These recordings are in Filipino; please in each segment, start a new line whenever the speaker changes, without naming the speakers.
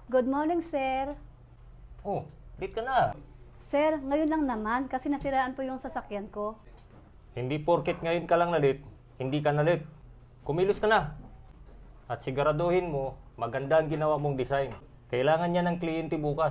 Good morning, sir.
Oh, late ka na.
Sir, ngayon lang naman kasi nasiraan po yung sasakyan ko.
Hindi porket ngayon ka lang na late, hindi ka na late. Kumilos ka na. At siguraduhin mo, maganda ang ginawa mong design. Kailangan niya ng kliyente bukas.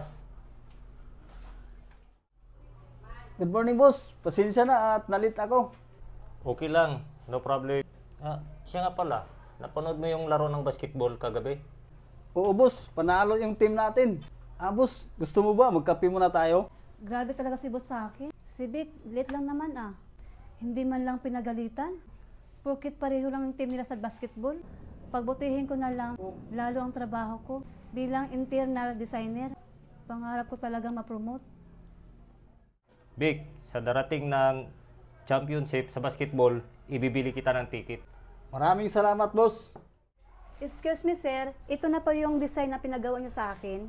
Good morning, boss. Pasensya na at nalit ako.
Okay lang, no problem. Siya nga pala, napanood mo yung laro ng basketball kagabi?
Oo, boss. Panalo yung team natin. Boss, gusto mo ba magkape muna tayo?
Grabe talaga si boss sa akin. Si Vic, late lang naman ah. Hindi man lang pinagalitan. Porkit pareho lang yung team nila sa basketball. Pagbutihin ko na lang, lalo ang trabaho ko. Bilang internal designer, pangarap ko talagang ma-promote.
Vic, sa darating ng championship sa basketball, ibibili kita ng ticket.
Maraming salamat, boss.
Excuse me, sir. Ito na po yung design na pinagawa niyo sa akin.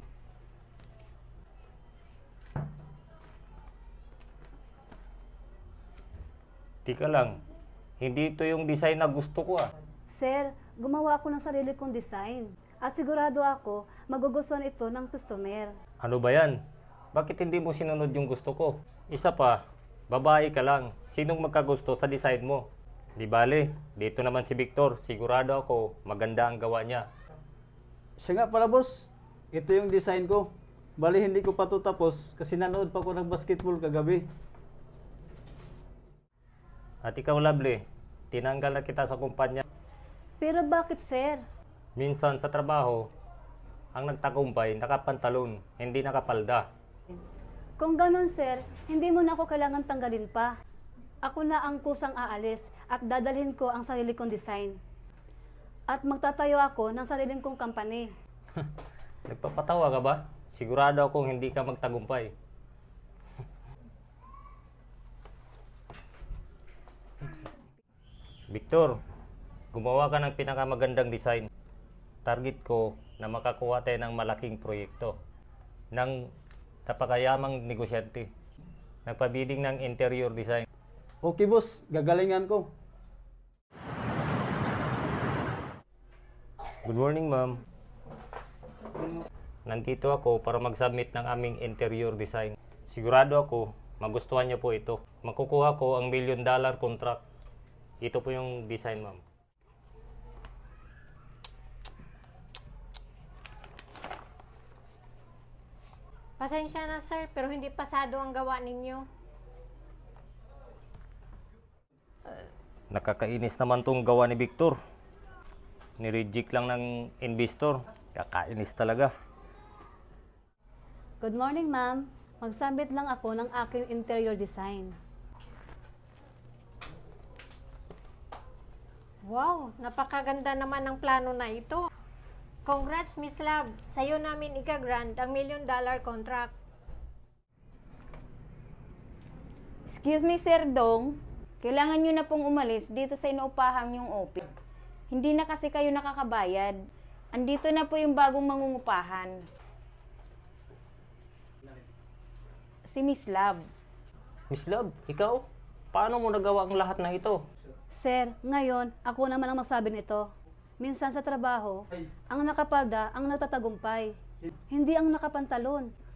Tika lang, hindi ito yung design na gusto ko ah.
Sir, gumawa ako ng sarili kong design. At sigurado ako, magugustuhan ito ng customer.
Ano ba yan? Bakit hindi mo sinunod yung gusto ko? Isa pa, babae ka lang. Sinong magkagusto sa design mo? Di bale, dito naman si Victor. Sigurado ako, maganda ang gawa niya.
Siya nga pala, boss. Ito yung design ko. Bali, hindi ko pa ito tapos kasi nanood pa ko ng basketball kagabi.
At ikaw, Lovely, tinanggal na kita sa kumpanya.
Pero bakit, sir?
Minsan sa trabaho, ang nagtagumpay, nakapantalon, hindi nakapalda.
Kung ganun, sir, hindi mo na ako kailangan tanggalin pa. Ako na ang kusang aalis at dadalhin ko ang sarili kong design. At magtatayo ako ng sariling kong company.
Nagpapatawa ka ba? Sigurado akong hindi ka magtagumpay. Victor, gumawa ka ng pinakamagandang design. Target ko na makakuha tayo ng malaking proyekto ng napakayamang negosyante. Nagpabidding ng interior design.
Okay, boss. Gagalingan ko.
Good morning, ma'am. Nandito ako para mag-submit ng aming interior design. Sigurado ako, magustuhan niyo po ito. Makukuha ko ang $1 million contract. Ito po yung design, ma'am.
Pasensya na sir, pero hindi pasado ang gawa ninyo.
Nakakainis naman tong gawa ni Victor. Nireject lang ng investor. Kakainis talaga.
Good morning, ma'am. Magsabit lang ako ng aking interior design.
Wow, napakaganda naman ng plano na ito. Congrats, Miss Love. Sa'yo namin ika-grant ang $1 million contract.
Excuse me, Sir Dong. Kailangan nyo na pong umalis dito sa inuupahang yung office. Hindi na kasi kayo nakakabayad. Andito na po yung bagong mangungupahan. Si Miss Love.
Miss Love, ikaw? Paano mo nagawa ang lahat ng ito?
Sir, ngayon, ako naman ang magsabi nito. Minsan sa trabaho, ang nakapalda ang nagtatagumpay. Hindi ang nakapantalon.